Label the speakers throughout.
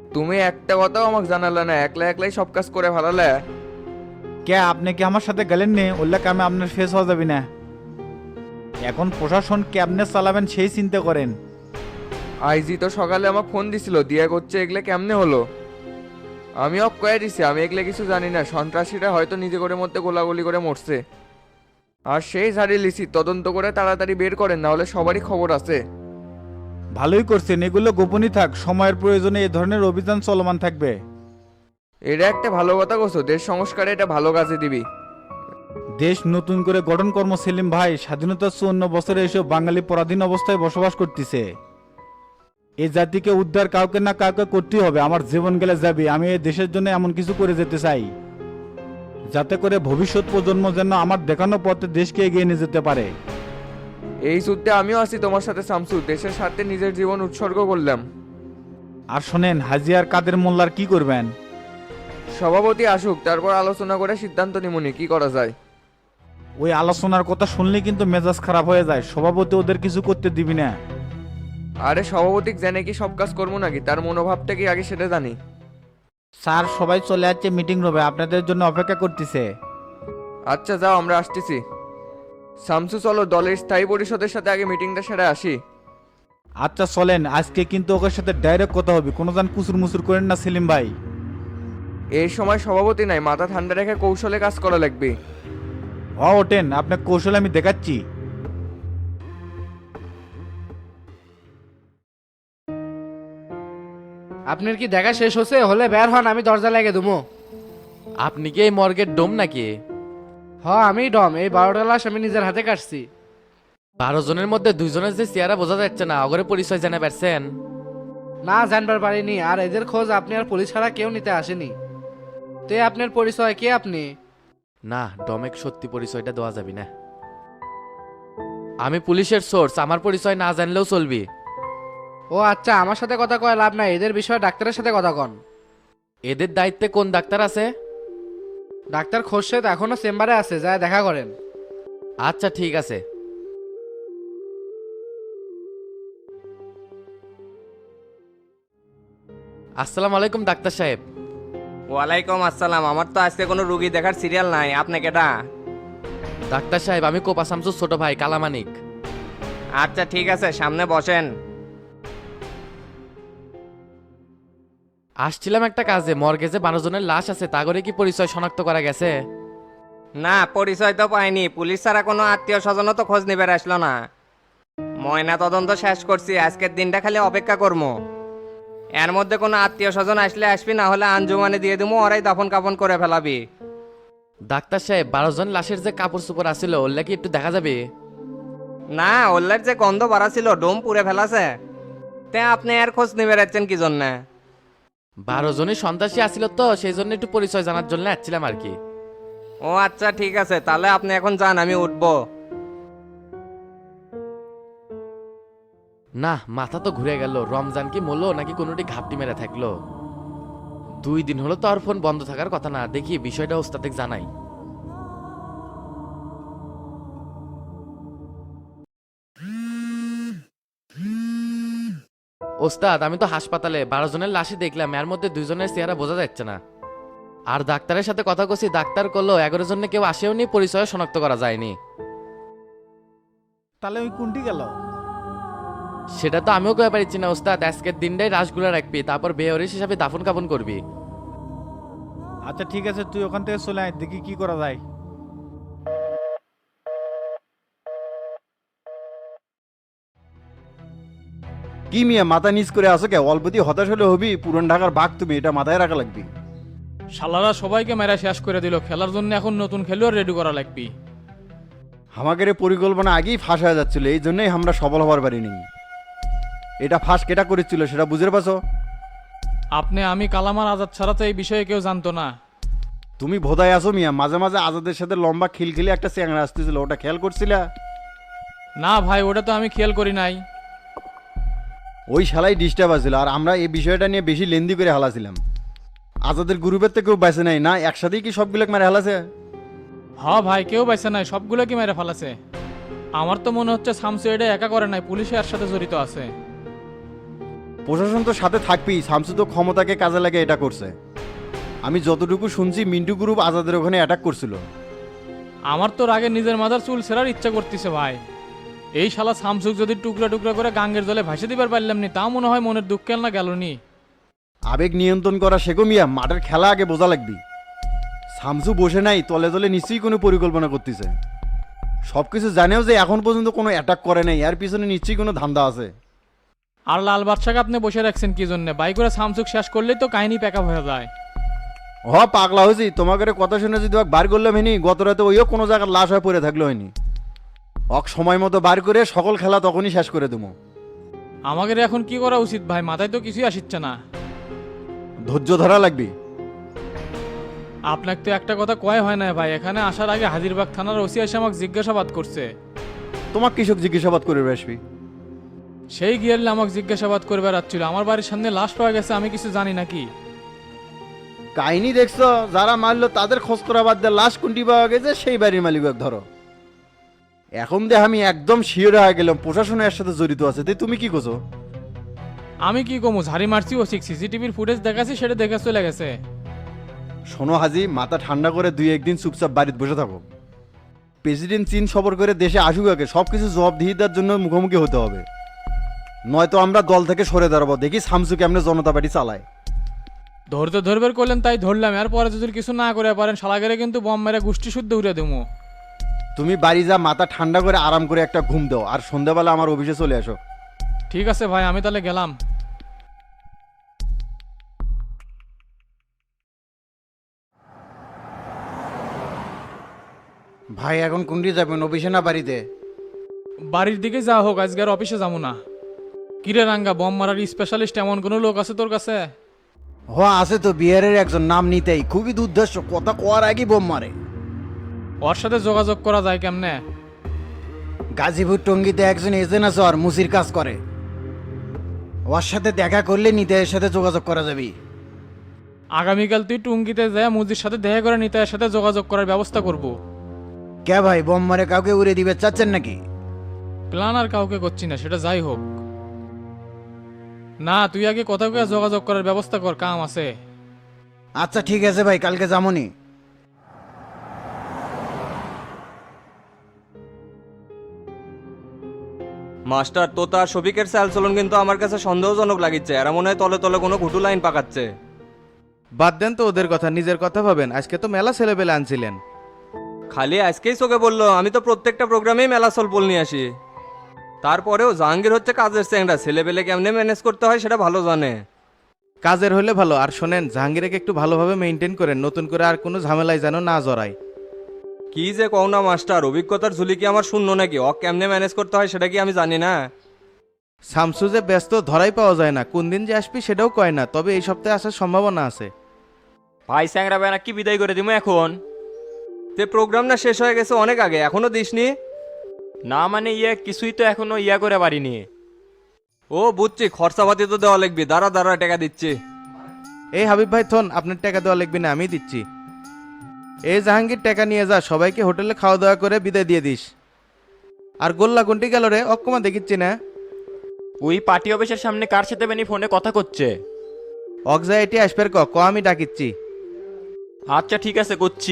Speaker 1: তুমি একটা কথাও আমাকে জানালে না, একলা একলাই সব কাজ করে ফেলালে।
Speaker 2: কে আপনি কি আমার সাথে গেলেন নি? উল্লেখ আমি আপনার ফেস হওয়া যাবি না। এখন প্রশাসন কেমনে চালাবেন সেই চিন্তা করেন।
Speaker 1: আইজি তো সকালে আমাকে ফোন দিছিল, দিয়া করছে এগুলো কেমনে হলো। আমি অফ কয়ে দিছি, আমি এগুলো কিছু জানি না। সন্ত্রাসীরা হয়তো নিজে করে মধ্যে গোলাগুলি করে মরছে। আর সেই ঝাড়িয়ে লিসি, তদন্ত করে তাড়াতাড়ি বের করেন, না হলে সবারই খবর আছে।
Speaker 2: ভালোই করছেন, এগুলো গোপনই থাক, সময়ের প্রয়োজনে এই ধরনের অভিযান চলমান থাকবে।
Speaker 1: এটা একটা ভালো কথা কছো, দেশ সংস্কারে এটা ভালো কাজে দিবি।
Speaker 2: দেশ নতুন করে গঠন কর্ম সেলিম ভাই, স্বাধীনতার 54 বছরে এসে বাঙালি পরাধীন অবস্থায় বসবাস করতেছে। এই জাতিকে উদ্ধার কাউকে না কাউকে করতেই হবে। আমার জীবন গেলে যাবে, আমি এই দেশের জন্য এমন কিছু করে যেতে চাই যাতে করে ভবিষ্যৎ প্রজন্ম যেন আমার দেখানো পথে দেশকে এগিয়ে নিয়ে যেতে পারে।
Speaker 1: এই যুদ্ধে আমিও আছি তোমার সাথে শামসু, দেশের স্বার্থে নিজের জীবন উৎসর্গ করলাম।
Speaker 2: আর শোনেন, হাজি আর কাদের মোল্লার কি করবেন?
Speaker 1: সভাপতি আসুক, তারপর আলোচনা করে সিদ্ধান্ত নিমুনি কি করা যায়।
Speaker 2: ওই আলোচনার কথা শুনলে কিন্তু মেজাজ খারাপ হয়ে যায়। সভাপতি ওদের কিছু করতে দিবি না।
Speaker 1: আরে সভাপতি জেনে কি সব কাজ করবো নাকি? তার মনোভাবটা কি আগে সেটা জানি।
Speaker 2: স্যার সবাই চলে যাচ্ছে মিটিং রুমে, আপনাদের জন্য অপেক্ষা করতেছে।
Speaker 1: আচ্ছা যাও, আমরা আসতেছি। শামসু চলো, দলের স্থায়ী পরিষদের সাথে আগে মিটিংটা সেরে আসি।
Speaker 2: আচ্ছা চলেন, আজকে কিন্তু ওদের সাথে ডাইরেক্ট কথা হবে, কোনো যান কুসুর মুসুর করেন না সেলিম ভাই।
Speaker 1: এই সময় সভাপতি নাই, মাথা ঠান্ডা রেখে কৌশলে কাজ করা লাগবে।
Speaker 2: ওঠেন, আপনার কৌশল আমি দেখাচ্ছি।
Speaker 3: আপনার কি দেখা শেষ হচ্ছে? হলে বের হন, আমি দরজা লাগিয়ে দেবো।
Speaker 4: আপনি কি এই মর্গের ডোম নাকি?
Speaker 3: আমি ডম, এই 12টা লাশ আমি নিজের হাতে কাটছি।
Speaker 4: 12 জনের মধ্যে 2 জনের যে চেহারা বোঝা যাচ্ছে না, অগরে পরিচয় জানা পারছেন?
Speaker 3: না, জানবার পারিনি। আর এদের খোঁজ আপনি আর পুলিশ ছাড়া কেউ নিতে আসেনি। তো আপনার পরিচয় কে আপনি?
Speaker 4: না, ডমেক সত্যি পরিচয়টা দেওয়া যাবে না। আমি পুলিশের সোর্স, আমার পরিচয় না জানলেও চলবি।
Speaker 3: ও আচ্ছা, আমার সাথে কথা কয় লাভ নাই, এদের বিষয়ে ডাক্তারের সাথে কথা কন।
Speaker 4: এদের দায়িত্বে কোন ডাক্তার আছে?
Speaker 3: ডাক্তার খোরশেদ এখনো চেম্বারে আছে, যায় দেখা করেন।
Speaker 4: আচ্ছা ঠিক আছে। আসসালামু আলাইকুম ডাক্তার সাহেব।
Speaker 5: ওয়ালাইকুম আসসালাম। আমার তো আজকে কোনো রুগী দেখার সিরিয়াল নাই, আপনি কেটা?
Speaker 4: ডাক্তার সাহেব, আমি কোপা শামসুর ছোট ভাই কালামানিক।
Speaker 5: আচ্ছা ঠিক আছে, সামনে বসেন।
Speaker 4: আসছিলাম একটা কাজে, মর্গে যে 12 জনের লাশ আছে তা করে কি পরিচয় শনাক্ত করা গেছে?
Speaker 5: না, পরিচয় তো পাইনি। পুলিশ ছাড়া কোনো আত্মীয় স্বজনও তো খোঁজ নিবে আসলো না। ময়না তদন্ত শেষ করছি, আজকের দিনটা খালি অপেক্ষা করবো। এর মধ্যে কোনো আত্মীয় স্বজন আসলে আসবি, না হলে আঞ্জুমানে দিয়ে দেবো, ওরাই দাফন কাফন করে ফেলাবি।
Speaker 4: ডাক্তার সাহেব, 12 জন লাশের যে কাপড় চোপড় আছিল ওগুলা কি একটু দেখা যাবে?
Speaker 5: না, ওল্লার যে গন্ধ বাড়া ছিল, ডোম পুড়ে ফেলাছে। তে আপনি আর খোঁজ নিবে রাখছেন কি জন্যে?
Speaker 4: 12 জনই সন্ত্রাসী আসছিল তো, সেই জন্য একটু পরিচয় জানার জন্য আসছিলাম আর কি।
Speaker 5: ও আচ্ছা ঠিক আছে, তাহলে আপনি এখন যান, আমি উঠবো।
Speaker 4: না, মাথা তো ঘুরে গেল। রমজান কি মরলো নাকি কোনোটি ঘাপটি মেরে থাকলো? 2 দিন হলো তো আর ফোন বন্ধ থাকার কথা না। দেখি বিষয়টা ওস্তাদকে জানাই। ওস্তাদ, আমি তো হাসপাতালে 12 জনের লাশই দেখলাম, এর মধ্যে 2 জনের চেহারা বোঝা যাচ্ছে না। আর ডাক্তারের সাথে কথা কছি, ডাক্তার করলো 11 জনে কেউ আসেও নি, পরিচয় শনাক্ত করা যায়নি।
Speaker 2: তাহলে ওই কোনটি গেল?
Speaker 4: সেটা তো আমিও কয়ে পারছি না ওস্তাদ। আজকের দিনটাই রাসগুলা রাখবি, তারপর বেহরিস হিসাবে দাফন কাফন করবি।
Speaker 2: আচ্ছা ঠিক আছে, তুই ওখান থেকে চলে আয়, দেখি কি করা যায়।
Speaker 6: কি মিয়া মাথা নিচ করে আসো কে? অল্পতি হতাশ হলে হবি? পুরন ঢাকার বাঘ তুমি, এটা মাথায় রাখা লাগবে।
Speaker 7: শালারা সবাইকে মেরা শেষ করে দিল, খেলার জন্য এখন নতুন খেলোয়াড় রেডি করা লাগবে।
Speaker 6: আমাদের এই পরিকল্পনা আগেই ফাঁস হয়ে যাচ্ছিল, এই জন্যই আমরা সফল হবার পারিনি। এটা ফাঁস কেটা করেছিল সেটা বুঝতে পারছো?
Speaker 7: আপনি আমি কালামার আজাদ ছাড়া তো এই বিষয়ে কেউ জানতো না।
Speaker 6: তুমি ভোদায় আসো মিয়া, মাঝে মাঝে আজাদের সাথে লম্বা খিলখিলি একটা চ্যাংড়া আসতেছিল, ওটা খেয়াল করছিলা?
Speaker 7: না ভাই, ওটা তো আমি খেয়াল করি নাই।
Speaker 6: ওই শালাই ডিস্টার্ব আছিল, আর আমরা এই বিষয়টা নিয়ে বেশি লেন্দি করে হালাছিলাম। আজাদের গ্রুপের তো কেউ বেঁচে নাই না, একসাথেই কি সবগুলো মেরে হালাছে?
Speaker 7: ভাই, কেউ বাইছে নাই, সবগুলো কি মেরে ফেলাছে। আমার তো মনে হচ্ছে শামসু এটা একা করে নাই, পুলিশ এর সাথে জড়িত আছে।
Speaker 6: প্রশাসন তো সাথে থাকবেই, শামসু তো ক্ষমতাকে কাজে লাগে এটা করছে। আমি যতটুকু শুনছি মিন্টু গ্রুপ আজাদের ওখানে অ্যাটাক করছিল।
Speaker 7: আমার তো রাগে নিজের মাথার চুল ছেঁড়ার ইচ্ছা করতেছে ভাই। এই শালা সামসুক যদি টুকরা টুকরা করে গাঙ্গের জলে ভাসে দিবার পারলাম নি, তা মনে হয় মনের দুঃখ না গেল নি।
Speaker 6: আবেগ নিয়ন্ত্রণ করা শেখো মিয়া, মাঠের খেলা আগে বোঝা লাগবি। শামসু বসে নাই, তলে তলে নিশ্চয়ই কোনো পরিকল্পনা করতেছে। সবকিছু জানেও যে এখন পর্যন্ত কোনো অ্যাটাক করে নাই, এর পিছনে নিশ্চয়ই কোনো ধান্দা আছে।
Speaker 7: আর লাল বাদশাকে আপনি বসে রাখছেন কি জন্য? বাই করে সামসুক শেষ করলেই তো কাহিনী প্যাকআপ হয়ে যায়।
Speaker 6: পাগলা হয়েছি, তোমাকে কথা শুনে যদি বার করলাম হয়নি, গত রাতে ওইও কোনো জায়গার লাশ হয়ে পড়ে থাকলো হয়নি। সময় মতো বার করে সকল খেলা তখনই শেষ করে দেবো।
Speaker 7: আমাদের এখন কি করা উচিত ভাই? মাথায় তো কিছুই আসিচ্ছে না।
Speaker 6: ধৈর্য ধরা লাগবে।
Speaker 7: আপনাকে তো একটা কথা কয় হয় না ভাই, এখানে আসার আগে হাজিরবাগ থানার ওসি এসে আমাকে জিজ্ঞাসাবাদ করছে।
Speaker 6: তোমার কৃষক জিজ্ঞাসাবাদ করে আসবি?
Speaker 7: সেই গিয়ারলে আমাকে জিজ্ঞাসাবাদ করে বেড়াচ্ছিল। আমার বাড়ির সামনে লাশ পাওয়া গেছে, আমি কিছু জানি নাকি?
Speaker 6: কাহিনী দেখছো, যারা মারলো তাদের খোঁজ করা বাদ দিয়ে লাশ কোনটি পাওয়া গেছে সেই বাড়ির মালিক ধরো। এখন দেখ আমি একদম শিওর হয়ে গেলাম প্রশাসন এর সাথে জড়িত আছে। তুমি কি করছো?
Speaker 7: আমি কি কমু, ঝাড়ি মারছি ও সিসিটিভির ফুটেজ দেখাচ্ছি, সেটা দেখে চলে গেছে।
Speaker 6: শোনো হাজি, মাথা ঠান্ডা করে 2-1 দিন চুপচাপ বাড়িতে বসে থাকো। প্রেসিডেন্ট চীন সফর করে দেশে আসুক আগে, সবকিছু জবাবদিহিতার জন্য মুখোমুখি হতে হবে। নয়তো আমরা দল থেকে সরে দাঁড়াবো, দেখি শামসু কেমনে জনতা পার্টি চালায়।
Speaker 7: ধরতে ধরবের করলেন তাই ধরলাম, এরপরে যদি কিছু না করে পারেন শালাগেরে কিন্তু বম মেরে গোষ্ঠী শুদ্ধ উড়ে দেবো।
Speaker 6: তুমি বাড়ি যা, মাথা ঠান্ডা করে আরাম করে একটা ঘুম দাও, আর সন্ধ্যাবেলা আমার অফিসে চলে আসো।
Speaker 7: ঠিক আছে ভাই, আমি তাহলে গেলাম।
Speaker 6: ভাই এখন কোনটি যাবেন, অফিসে না বাড়িতে?
Speaker 7: বাড়ির দিকে যা হোক, আজকে আর অফিসে যাবো না। কিরে রাঙ্গা, বম মারার স্পেশালিস্ট এমন কোনো লোক আছে তোর কাছে?
Speaker 6: আছে তো, বিহারের একজন, নাম নিতেই খুবই দুর্ধর্ষ, কথা কোয়ার আগেই বোম মারে।
Speaker 7: ওর সাথে যোগাযোগ করা যায় কেমনে?
Speaker 6: গাজীপুর টঙ্গিতে একজন এজেন্ট আছে, আর মুসির কাজ করে। ওর সাথে দেখা করলে নিতাইয়ের সাথে যোগাযোগ করা যাবে।
Speaker 7: আগামীকাল তুই টুঙ্গিতে যায় মুজির সাথে দেখা করে নিতাইয়ের সাথে যোগাযোগ করার ব্যবস্থা করব।
Speaker 6: কে ভাই, বোম মারে কাউকে উড়ে দিবে চাচ্ছেন নাকি?
Speaker 7: প্ল্যান আর কাউকে করছি না, সেটা যাই হোক। না, তুই আগে কোথাও যোগাযোগ করার ব্যবস্থা কর, কাম আছে।
Speaker 6: আচ্ছা ঠিক আছে ভাই, কালকে যামনি।
Speaker 5: মাস্টার তো তার শফিকের চালচলন কিন্তু আমার কাছে সন্দেহজনক লাগিচ্ছে। এরা মনে হয় তলে তলে কোনো ঘুটু লাইন পাকাচ্ছে।
Speaker 8: বাদ দেন তো ওদের কথা, নিজের কথা ভাবেন। আজকে তো মেলা ছেলেবেলে আনছিলেন।
Speaker 5: খালি আজকেই চোখে বললো, আমি তো প্রত্যেকটা প্রোগ্রামেই মেলা সলপল নিয়ে আসি। তারপরেও জাহাঙ্গীর হচ্ছে কাজের চ্যাংড়া, ছেলেবেলে কেমনে ম্যানেজ করতে হয় সেটা ভালো জানে।
Speaker 8: কাজের হলে ভালো। আর শোনেন, জাহাঙ্গীরকে একটু ভালোভাবে মেনটেন করেন, নতুন করে আর কোনো ঝামেলায় যেন না জড়ায়।
Speaker 5: কি যে কও না মাস্টার, অভিজ্ঞতার ঝুলি কি আমার শূন্য নাকি? ও কেমনে ম্যানেজ করতে হয় সেটা কি আমি জানি না?
Speaker 8: শামসু যে ব্যস্ত ধরাই পাওয়া যায় না, কোন দিন যে আসবি সেটাও কয় না, তবে এই সপ্তাহে আসার সম্ভাবনা আছে।
Speaker 5: ভাই স্যাংরা বেনা কি বিদায় করে দিমু এখন? তে প্রোগ্রাম না শেষ হয়ে গেছে অনেক আগে, এখনো দিসনি? না মানে কিছুই তো এখনো করে পারিনি। ও বুঝছি, খরচাপাতি তো দেওয়া লাগবে। দাঁড়া দাঁড়া, টাকা দিচ্ছি।
Speaker 8: এই হাবিব ভাই থন, আপনার টাকা দেওয়া লাগবে না, আমি দিচ্ছি। এই জাহাঙ্গীর, টাকা নিয়ে যা, সবাইকে হোটেলে খাওয়া দাওয়া করে বিদায় দিয়ে দিস। আর গোল্লা কোনটি গেল রে? অক্ষমা দেখিচ্ছি না।
Speaker 9: ওই পার্টি অফিসের সামনে কার সাথে বেনি ফোনে কথা করছে।
Speaker 8: অগজা এটি আসবে ক আমি ডাকিচ্ছি।
Speaker 9: আচ্ছা ঠিক আছে, করছি।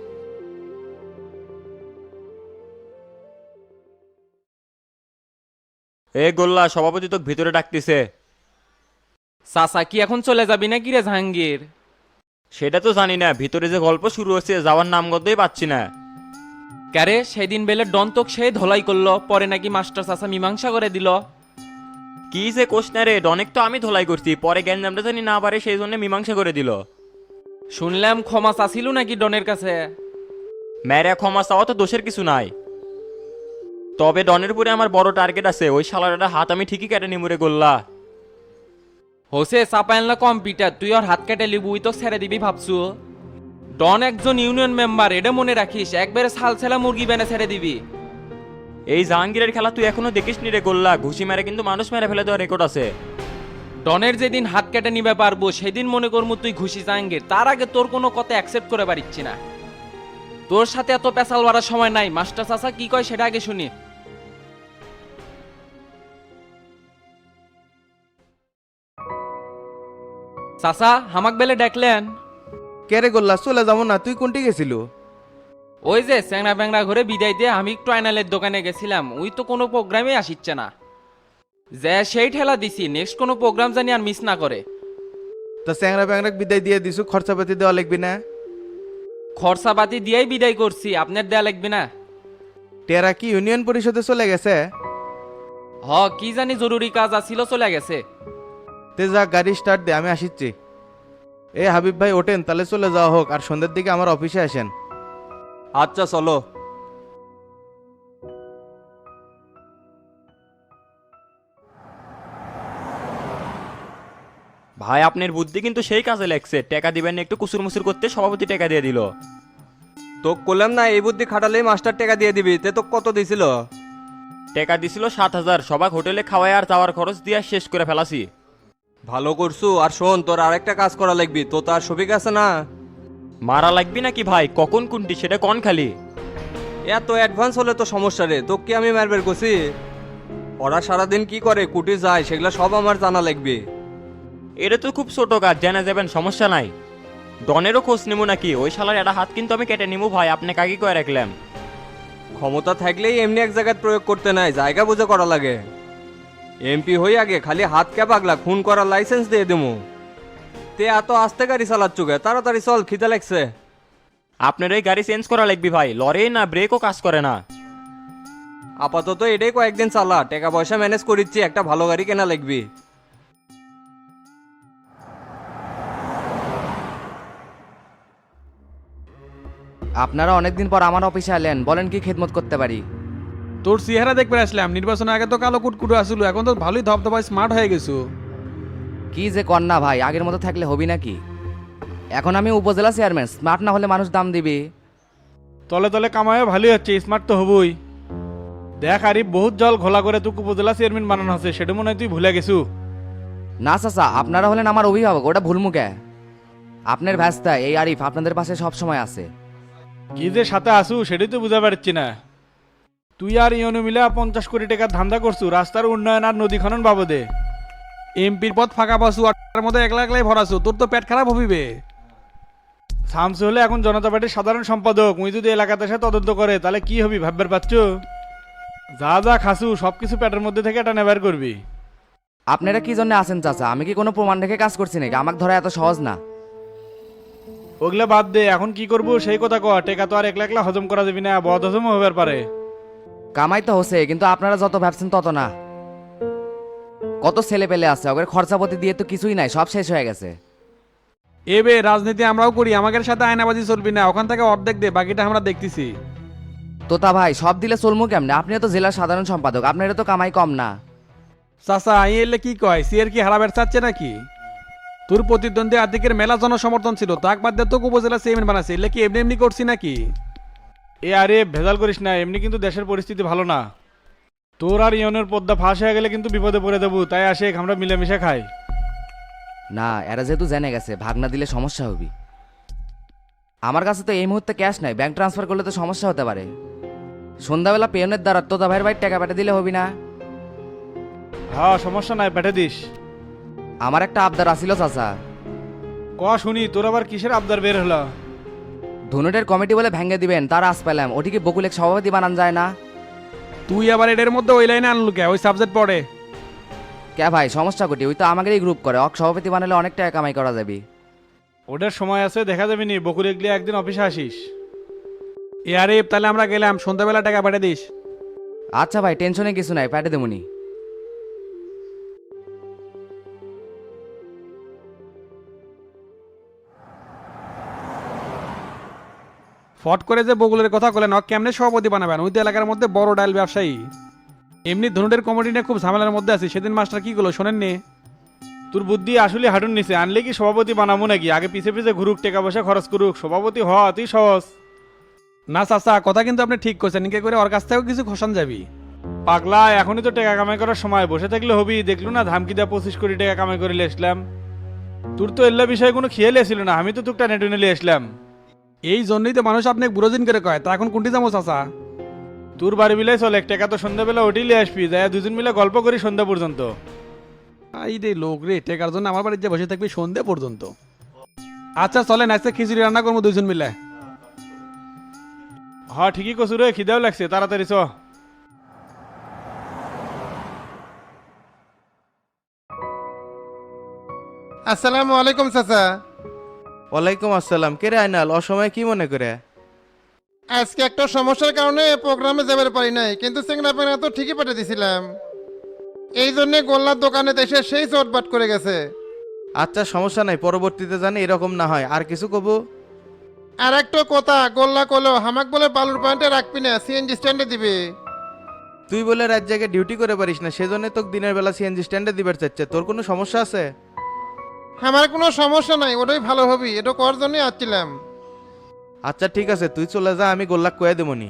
Speaker 9: এ গোল্লা, সভাপতি তো ভিতরে ডাকতেছে।
Speaker 10: চাচা কি এখন চলে যাবি নাকি রে জাহাঙ্গীর?
Speaker 9: সেটা তো জানি না, ভিতরে যে গল্প শুরু হচ্ছে যাওয়ার নামগন্ধই পাচ্ছি না।
Speaker 10: ক্যারে, সেদিন বেলে ডন্তক সে ধলাই করলো, পরে নাকি মাস্টার চাচা মীমাংসা করে দিল।
Speaker 9: কি যে কোষ না রে, অনেক তো আমি ধোলাই করছি, পরে গ্যাঞ্জামটা জানি না পারে সেই জন্য মীমাংসা করে দিল।
Speaker 10: শুনলাম ক্ষমা চাছিল নাকি ডনের কাছে?
Speaker 9: ম্যারে ক্ষমা চাওয়া তো দোষের কিছু নাই, তবে ডনের উপরে আমার বড় টার্গেট আছে। ওই শালার হাত আমি ঠিকই কেটে নিমুরে গোল্লা।
Speaker 10: হোসে চাপাইল না কম্পিউটার, তুই ওর হাত কেটে লিবুই তো ছেড়ে দিবি ভাবছু? ডন একজন ইউনিয়ন মেম্বার, এটা মনে রাখিস। একবারে ছাল ছেলা মুরগি বেনে ছেড়ে দিবি।
Speaker 9: এই জাহাঙ্গীরের খেলা তুই এখনো দেখিস নি রে গোল্লা, ঘুষি মেরে কিন্তু মানুষ মেরে ফেলে দেওয়ার রেকর্ড আছে।
Speaker 10: ডনের যেদিন হাত কেটে নিবে পারবো সেদিন মনে করবো তুই ঘুষি জাহাঙ্গীর। তার আগে তোর কোনো কথা অ্যাকসেপ্ট করে পারিচ্ছি না। তোর সাথে এত পেশাল বাড়ার সময় নাই। মাস্টার চাচা কি কয় সেটা আগে শুনি। চাচা হামাক বেলে ডাকলেন?
Speaker 8: কে রে গোল্লা, চলে যাবো না, তুই কোনটি গেছিল?
Speaker 10: ওই যে চ্যাংরা ব্যাংরা ঘরে বিদায় দিয়ে আমি একটু আইনালের দোকানে গেছিলাম, ওই তো কোনো প্রোগ্রামে আসিচ্ছে না। যে সেই ঠেলা দিছি, নেক্সট কোনো প্রোগ্রাম জানি আর মিস না করে।
Speaker 8: তা চ্যাংরা ব্যাংরা বিদায় দিয়ে দিছু, খরচাপাতি দেওয়া লাগবি না?
Speaker 10: খরচাপাতি দিয়েই বিদায় করছি, আপনার দেয়া লাগবে না?
Speaker 8: টেরা কি ইউনিয়ন পরিষদে চলে গেছে?
Speaker 10: হ, কি জানি জরুরি কাজ আছিল, চলে গেছে।
Speaker 8: তে যা, গাড়ি স্টার্ট দে, আমি আসিচ্ছি। এ হাবিব ভাই ওঠেন, তাহলে চলে যাওয়া হোক, আর সন্ধ্যের দিকে আমার অফিসে আসেন।
Speaker 5: আচ্ছা চলো।
Speaker 9: ভাই আপনার বুদ্ধি কিন্তু সেই কাজে লাগছে, টাকা দিবেন না একটু কুসুর মুসুর করতে সভাপতি টাকা দিয়ে দিল।
Speaker 5: তো করলাম না, এই বুদ্ধি খাটালেই মাস্টার টাকা দিয়ে দিবি, তে তো কত দিছিল?
Speaker 9: টাকা দিছিল 7,000, সবাক হোটেলে খাওয়াই আর যাওয়ার খরচ দিয়ে শেষ করে ফেলাছি।
Speaker 5: ভালো করছু। আর শোন, তোর আরেকটা কাজ করা লাগবি, তো তার সবিক আছে না?
Speaker 9: মারা লাগবি নাকি ভাই? কখন কোনটি সেটা কন খালি।
Speaker 5: এত অ্যাডভান্স হলে তো সমস্যা রে, তো কি আমি মারবের করছি? ওরা সারাদিন কি করে, কুটি যায়, সেগুলো সব আমার জানা লাগবে।
Speaker 9: এটা তো খুব ছোট কাজ, জানা যাবেন, সমস্যা নাই। ডনেরও খোঁজ নেবো নাকি? ওই শালার একটা হাত কিন্তু আমি কেটে নিবো ভাই, আপনাকে আগে কয়ে রাখলাম।
Speaker 5: ক্ষমতা থাকলেই এমনি এক জায়গায় প্রয়োগ করতে নাই, জায়গা বুঝে করা লাগে। এমপি হই আগে খালি হাত কে পাগলা, খুন করার লাইসেন্স দিয়ে দেবো। তে এত আস্তে গাড়ি চালাচ্ছ গে, তাড়াতাড়ি চল, খিদে লাগছে।
Speaker 9: আপনার এই গাড়ি চেঞ্জ করা লাগবে ভাই, লরে না ব্রেকও কাজ করে না।
Speaker 5: আপাতত এটাই কয়েকদিন চালা, টাকা পয়সা ম্যানেজ করিচ্ছি, একটা ভালো গাড়ি কেনা লাগবে।
Speaker 3: আপনারা অনেকদিন পর আমার অফিসে এলেন, বলেন কি খেদমত করতে পারি?
Speaker 7: তোর চেহারা দেখবে আসলাম, নির্বাচনের আগে তো কালো কুটকুটো আসলো, এখন তো ভালোই ধপধপায় স্মার্ট হয়ে গেছো।
Speaker 3: কি যে কন্যা ভাই, আগের মতো থাকলে হবি নাকি? এখন আমি উপজেলা চেয়ারম্যান, স্মার্ট না হলে মানুষ দাম দিবে।
Speaker 2: তলে তলে কামায়ও ভালোই হচ্ছে, স্মার্ট তো হবই। দেখ আরিফ, বহুত জল ঘোলা করে তুই উপজেলা চেয়ারম্যান বানানো হচ্ছে, সেটা মনে হয় তুই ভুলে গেছু।
Speaker 3: না চাচা, আপনারা হলেন আমার অভিভাবক, ওটা ভুলমুখে। আপনার ভ্যাস্তা এই আরিফ আপনাদের পাশে সব সময় আছে।
Speaker 2: কি যে সাথে আসু সেটাই তো বুঝা পারছি না। তুই আর ইয়নু মিলে 50 কোটি টাকার ধান্দা করছু রাস্তার উন্নয়ন আর নদী খনন বাবদে।
Speaker 7: এমপির পদ ফাঁকা পাসু, আটটার মতো একলা একলাই ভরাছু, তোর তো পেট খারাপ হবিবে।
Speaker 2: শামসু হলে এখন জনতা পার্টির সাধারণ সম্পাদক, উই যদি এলাকাতে এসে তদন্ত করে তাহলে কি হবি ভাববার পাচ্ছ? যা যা খাসু সবকিছু পেটের মধ্যে থেকে এটা নেবার করবি।
Speaker 3: আপনারা কি জন্য আছেন চাচা? আমি কি কোনো প্রমাণ রেখে কাজ করছি নাকি? আমাকে ধরা এত সহজ না।
Speaker 2: ওগুলা বাদ দে, এখন কি করবো সেই কথা কয়। টেকা তো আর একলা একলা হজম করা যাবি না, বদ হজম হবার পারে।
Speaker 3: কামাই তো হচ্ছে, কিন্তু আপনারা যত ভাবছেন তত না। কত ছেলে পেলে আছে, ওদের খরচাপাতি দিয়ে তো কিছুই নাই, সব শেষ হয়ে গেছে।
Speaker 7: এবে রাজনীতি আমরাও করি, আমাদের সাথে আয়নাবাজি চলবি না, ওখান থেকে অর্ধেক দে, বাকিটা আমরা দেখতেছি।
Speaker 3: তোতা ভাই, সব দিলে চলমু কেমনে? আপনিও তো জেলার সাধারণ সম্পাদক, আপনারও তো কামাই কম না।
Speaker 7: চাচা আই এলে কি কয়, সিএর কি হারাবের চাচ্ছে নাকি? তোর প্রতিদ্বন্দ্বী আর্থিকের মেলা জনসমর্থন ছিল, তাক বাদ দিয়ে তোকে উপজেলা চেয়ারম্যান বানাচ্ছে, এলে কি এমনি এমনি করছি নাকি?
Speaker 2: এ আরে ভেজাল করিস না, এমনি কিন্তু দেশের পরিস্থিতি ভালো না। তোর আর ইয়নের পদ্মা ফাঁস হয়ে গেলে কিন্তু বিপদে পড়ে দেবো, তাই আসে আমরা মিলেমিশে খাই।
Speaker 3: না, এরা যেহেতু জেনে গেছে, ভাগ না দিলে সমস্যা হবে। আমার কাছে তো এই মুহূর্তে ক্যাশ নাই, ব্যাংক ট্রান্সফার করলে তো সমস্যা হতে পারে। সন্ধ্যাবেলা পেয়নের দ্বারা তোতা ভাইয়ের ভাই টাকা পাঠিয়ে দিলে হবি না?
Speaker 2: হ্যাঁ সমস্যা নাই, পেটে দিস।
Speaker 3: আমার একটা আবদার আসিল চাচা।
Speaker 2: ক শুনি, তোর আবার কিসের আবদার বের হলো?
Speaker 3: ধনুটের কমিটি বলে ভেঙে দিবেন, তার আস পেলাম, ওটিকে বকুলেক সভাপতি বানান যায় না?
Speaker 7: তুই আবার এদের মধ্যে ওই লাইনে আনলু কে? ওই সাবজেক্ট পড়ে
Speaker 3: কে ভাই, সমস্যা কোটি? ওই তো আমাকেই গ্রুপ করে, অক সভাপতি বানালে অনেক টাকা কামাই করা যাবে।
Speaker 2: ওটার সময় আছে, দেখা যাবে নি। বকুল এগলি একদিন অফিসে আসিস।
Speaker 7: এ আরে তাহলে আমরা গেলাম, সন্ধ্যাবেলা টাকা পাঠিয়ে দিস।
Speaker 3: আচ্ছা ভাই, টেনশনে কিছু নাই, পাঠিয়ে দেবনি।
Speaker 7: ফট করে যে বগুলের কথা বলেন, ও কেমনে সভাপতি বানাবেন? ওই তো এলাকার মধ্যে বড় ডাইল ব্যবসায়ী। এমনি ধনুটের কমিটি নিয়ে খুব ঝামেলার মধ্যে আছে, সেদিন মাস্টার কি করলো শোনেননি?
Speaker 2: তোর বুদ্ধি আসলে হাঁটুন নিচে, আনলে কি সভাপতি বানাবো নাকি? আগে পিছে পিছে ঘুরুক, টাকা পয়সা খরচ করুক, সভাপতি হওয়া অতি সহজ।
Speaker 7: না চাচা, কথা কিন্তু আপনি ঠিক করছেন, নিকে করে ওর কাছ থেকেও কিছু খসান যাবি।
Speaker 2: পাগলা, এখনই তো টাকা কামাই করার সময়, বসে থাকলে হবি? দেখলু না ধামকি দেওয়া 25 কোটি টাকা কামাই করে আসলাম। তোর তো এল্লা বিষয়ে কোনো খেয়ালই ছিল না, আমি তো তোকে টেনে টেনে আসলাম।
Speaker 7: এই জন্যই তো মানুষ আপনাকে বুড়োদিন করে কয়। তা এখন কোনটি যাবো চাচা?
Speaker 2: তোর বাড়ি বিলাই চলে, টাকা তো সন্ধ্যাবেলা ওটিলে আসবি, যাই দুজন মিলে গল্প করি সন্ধ্যা পর্যন্ত।
Speaker 11: এই রে লোক রে, টেকার জন্য আমার বাড়িতে বসে থাকবি সন্ধে পর্যন্ত। আচ্ছা চলেন আজকে খিচুড়ি রান্না করবো দুইজন মিলে।
Speaker 2: হ্যাঁ ঠিকই কছু রে, খিদাও লাগছে, তাড়াতাড়ি চ।
Speaker 8: আসসালামু আলাইকুম চাচা। ওয়ালাইকুম আসসালাম। কে রে আইনাল, অসময়ে কি মনে করে?
Speaker 12: আজকে একটা সমস্যার কারণে প্রোগ্রামে যাবার পারি নাই, কিন্তু সিংড়া পেনা তো ঠিকই পাঠিয়ে দিছিলাম। এই জন্যে গোল্লার দোকানে এসে সেই চটবাট করে গেছে।
Speaker 8: আচ্ছা সমস্যা নাই, পরবর্তীতে জানি এরকম না হয়। আর কিছু কব?
Speaker 12: আর একটা কথা, গোল্লা কলো হামাক বলে বালুর পয়েন্টে রাখবি না, সিএনজি স্ট্যান্ডে দিবি।
Speaker 8: তুই বলে রাত জায়গায় ডিউটি করে পারিস না, সেজন্য তোকে দিনের বেলা সিএনজি স্ট্যান্ডে দিবার চাচ্ছে। তোর কোনো সমস্যা আছে?
Speaker 12: আমার কোনো সমস্যা নাই, ওটাই ভালো হবি, এটা করার জন্যই আসছিলাম।
Speaker 8: আচ্ছা ঠিক আছে, তুই চলে যা, আমি গোল্লাক কয়ে দেবনি।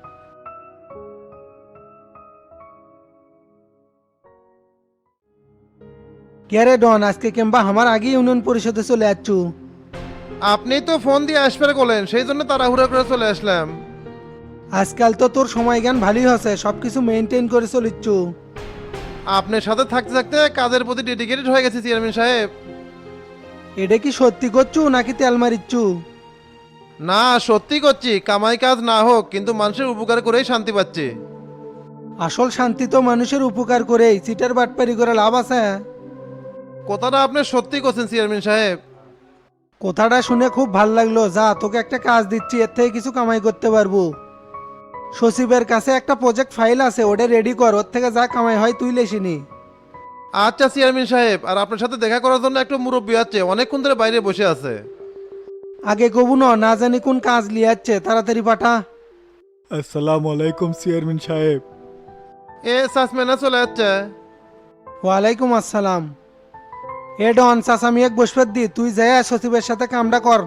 Speaker 12: কে ডন, আজকে কিংবা আমার আগে ইউনিয়ন পরিষদে চলে যাচ্ছু? আপনি তো ফোন দিয়ে আসবে বলেন, সেই জন্য তাড়াহুড়া করে চলে আসলাম। আজকাল তো তোর সময় জ্ঞান ভালোই হচ্ছে, সবকিছু মেনটেন করে চলিচ্ছু। আপনার সাথে থাকতে থাকতে কাজের প্রতি ডেডিকেটেড হয়ে গেছে চেয়ারম্যান সাহেব। এটা কি সত্যি করছু নাকি তেল মারিচ্ছু? না সত্যি করছি, কামাই কাজ না হোক কিন্তু মানুষের উপকার করেই শান্তি পাচ্ছি। আসল শান্তি তো মানুষের উপকার করেই, চিটার বাটপারি করে লাভ আছে? কথাটা আপনি সত্যি করছেন চেয়ারম্যান সাহেব। কথাটা শুনে খুব ভাল লাগলো। যা, তোকে একটা কাজ দিচ্ছি, এর থেকে কিছু কামাই করতে পারবো। সচিবের কাছে একটা প্রজেক্ট ফাইল আছে, ওটা রেডি কর, ওর থেকে যা কামাই হয় তুই লেসিনি। আচ্ছা চেয়ারম্যান সাহেব, আর আপনার সাথে দেখা করার জন্য একটা মুরব্বী আছে, অনেকক্ষণ ধরে বাইরে বসে আছে। আগে কবু না জানি কোন কাজ লিয়ে যাচ্ছে, তাড়াতাড়ি পাঠা।
Speaker 2: আসসালামু আলাইকুম চেয়ারম্যান সাহেব।
Speaker 12: এ সাসমেনা চলে যাচ্ছে। ওয়ালাইকুম আসসালাম। এ ডন চাচা মিয়াক বসবার দি, তুই যাই সচিবের সাথে কামটা কর।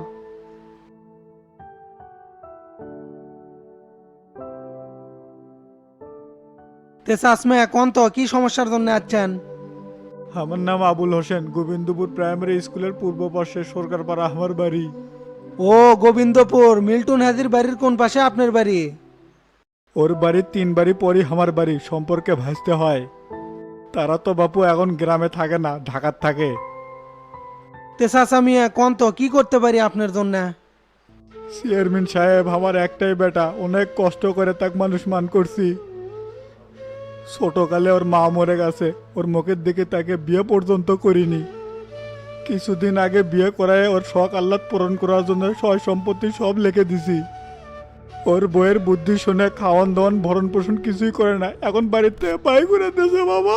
Speaker 12: তে চাসমে এখন তো কি সমস্যার জন্য আছেন?
Speaker 2: আমার নাম আবুল হোসেন, গোবিন্দপুর প্রাইমারি স্কুলের পূর্ব পাশে সরকারপাড়া আমার বাড়ি।
Speaker 12: ও গোবিন্দপুর, মিল্টন হাজির বাড়ির কোন পাশে আপনার বাড়ি?
Speaker 2: ওর বাড়ির 3 বাড়ি পরই আমার বাড়ি, সম্পর্কে ভাসতে হয়। তারা তো বাপু এখন গ্রামে থাকে না, ঢাকার থাকে।
Speaker 12: তে চাচা মিয়া কোন তো কি করতে পারি আপনার জন্য?
Speaker 2: চেয়ারম্যান সাহেব, আমার একটাই বেটা, অনেক কষ্ট করে তাক মানুষ মান করছি। ছোটকালে ওর মা মরে গেছে, ওর মুখের দিকে তাকে বিয়ে পর্যন্ত করিনি। কিছুদিন আগে বিয়ে করায় ওর শখ আহ্লাদ পূরণ করার জন্য সয় সম্পত্তি সব লিখে দিছি। ওর বইয়ের বুদ্ধি শুনে খাওয়ান দাওয়ান ভরণ পোষণ কিছুই করে না, এখন বাড়িতে বাই করে দিয়েছে বাবা।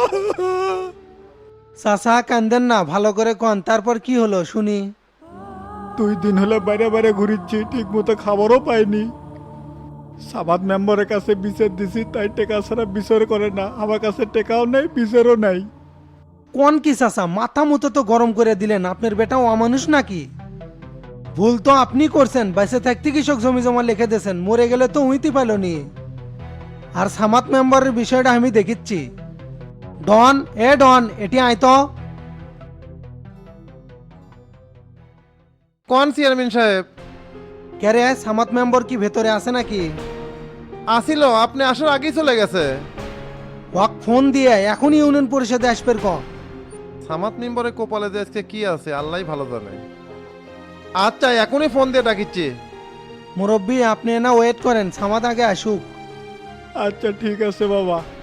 Speaker 12: চাচা কান্দেন না, ভালো করে কন, তারপর কি হলো শুনি।
Speaker 2: 2 দিন হলে বাইরে বাইরে ঘুরিচ্ছি, ঠিক মতো খাবারও পাইনি। সাবাদ মেম্বারের কাছে বিচার দিছি, তাই টেকা ছাড়া বিচার করে না। আমার কাছে টেকাও নেই, বিচারও নাই।
Speaker 12: কোন কি চাচা, মাথা মতো তো গরম করে দিলেন, আপনার বেটাও অমানুষ নাকি? ভুল তো আপনি করছেন, বাইসে থাকতে কৃষক জমি জমা লিখে দিয়েছেন, মরে গেলে তো উইতে পাইলনি। আর সামাত মেম্বারের বিষয়টা আমি দেখিচ্ছি। ডন, এ ডন, এটি আয় তো। কোন চেয়ারম্যান সাহেব? কে রে, সামাত মেম্বার কি ভেতরে আছে নাকি? আসিল, আপনি আসার আগেই চলে গেছে। ওয়াক ফোন দিয়ে এখনই ইউনিয়ন পরিষদে আসবের ক। সামাত মেম্বারে কোপালে যে আজকে কি আছে আল্লাহই ভালো জানে। আচ্ছা এখনই ফোন দিয়ে ডাকিচ্ছি। মুরব্বী আপনি না ওয়েট করেন, সামাত আগে আসুক।
Speaker 2: আচ্ছা ঠিক আছে বাবা।